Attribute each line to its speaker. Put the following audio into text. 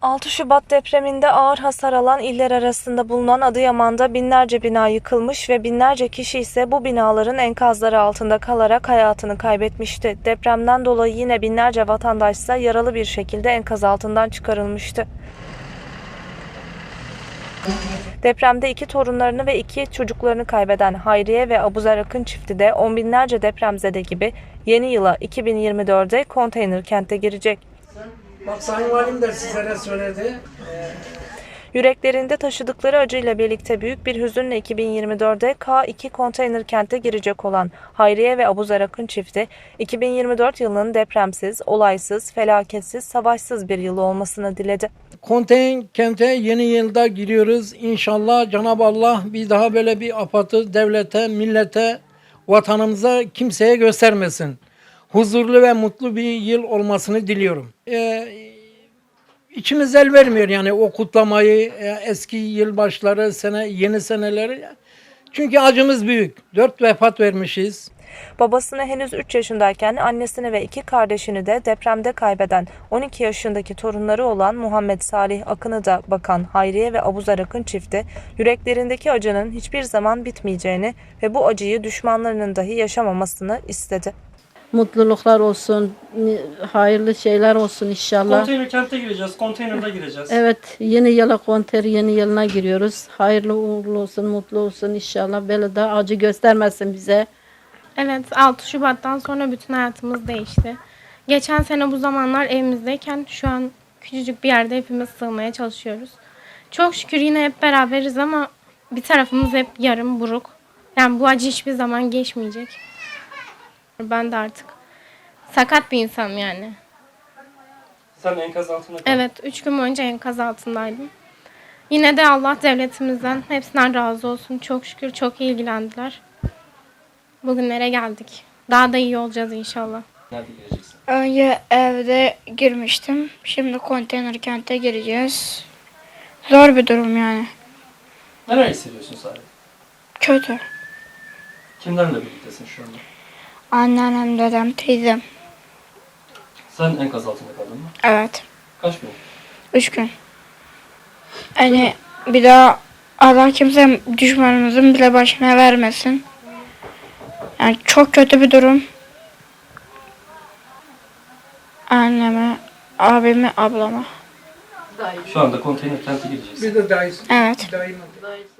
Speaker 1: 6 Şubat depreminde ağır hasar alan iller arasında bulunan Adıyaman'da binlerce bina yıkılmış ve binlerce kişi ise bu binaların enkazları altında kalarak hayatını kaybetmişti. Depremden dolayı yine binlerce vatandaş ise yaralı bir şekilde enkaz altından çıkarılmıştı. Depremde 2 torunlarını ve 2 çocuklarını kaybeden Hayriye ve Abuzer Akın çifti de on binlerce depremzede gibi yeni yıla 2024'de konteyner kente girecek.
Speaker 2: Bak Sayın Valim de sizlere söyledi.
Speaker 1: Yüreklerinde taşıdıkları acıyla birlikte büyük bir hüzünle 2024'de K2 konteyner kente girecek olan Hayriye ve Abuzer Akın çifti, 2024 yılının depremsiz, olaysız, felaketsiz, savaşsız bir yıl olmasını diledi.
Speaker 2: Konteyner kente yeni yılda giriyoruz. İnşallah Cenab-ı Allah bir daha böyle bir afatı devlete, millete, vatanımıza kimseye göstermesin. Huzurlu ve mutlu bir yıl olmasını diliyorum. İçimiz el vermiyor yani o kutlamayı, eski yılbaşları, yeni seneleri. Çünkü acımız büyük. 4 vefat vermişiz.
Speaker 1: Babasını henüz 3 yaşındayken annesini ve 2 kardeşini de depremde kaybeden 12 yaşındaki torunları olan Muhammed Salih Akın'ı da bakan Hayriye ve Abuzer Akın çifti, yüreklerindeki acının hiçbir zaman bitmeyeceğini ve bu acıyı düşmanlarının dahi yaşamamasını istedi.
Speaker 3: Mutluluklar olsun, hayırlı şeyler olsun inşallah.
Speaker 4: Konteyner kente gireceğiz, konteynerde gireceğiz.
Speaker 3: Evet, yeni yıla yeni yılına giriyoruz. Hayırlı uğurlu olsun, mutlu olsun inşallah. Böyle de acı göstermesin bize.
Speaker 5: Evet, 6 Şubat'tan sonra bütün hayatımız değişti. Geçen sene bu zamanlar evimizdeyken şu an küçücük bir yerde hepimiz sığmaya çalışıyoruz. Çok şükür yine hep beraberiz ama bir tarafımız hep yarım buruk. Yani bu acı hiçbir zaman geçmeyecek. Ben de artık sakat bir insanım yani.
Speaker 4: Sen enkaz altında kaldın.
Speaker 5: Evet, 3 gün boyunca enkaz altındaydım. Yine de Allah devletimizden hepsinden razı olsun. Çok şükür çok iyi ilgilendiler. Bugünlere geldik. Daha da iyi olacağız inşallah.
Speaker 4: Nerede gireceksin?
Speaker 6: Önce evde girmiştim. Şimdi konteyner kente gireceğiz. Zor bir durum yani.
Speaker 4: Neler hissediyorsun Salih?
Speaker 6: Kötü.
Speaker 4: Kimlerle birliktesin şu anda?
Speaker 6: Anneannem, dedem, teyzem.
Speaker 4: Sen enkaz altında kaldın mı?
Speaker 6: Evet.
Speaker 4: Kaç gün?
Speaker 6: 3 gün. Yani bir daha Allah kimse düşmanımızın bile başına vermesin. Yani çok kötü bir durum. Anneme, abime, ablama.
Speaker 4: Şu anda konteyner kente gireceğiz.
Speaker 2: Bir de dayısı.
Speaker 6: Evet.
Speaker 2: Dayım.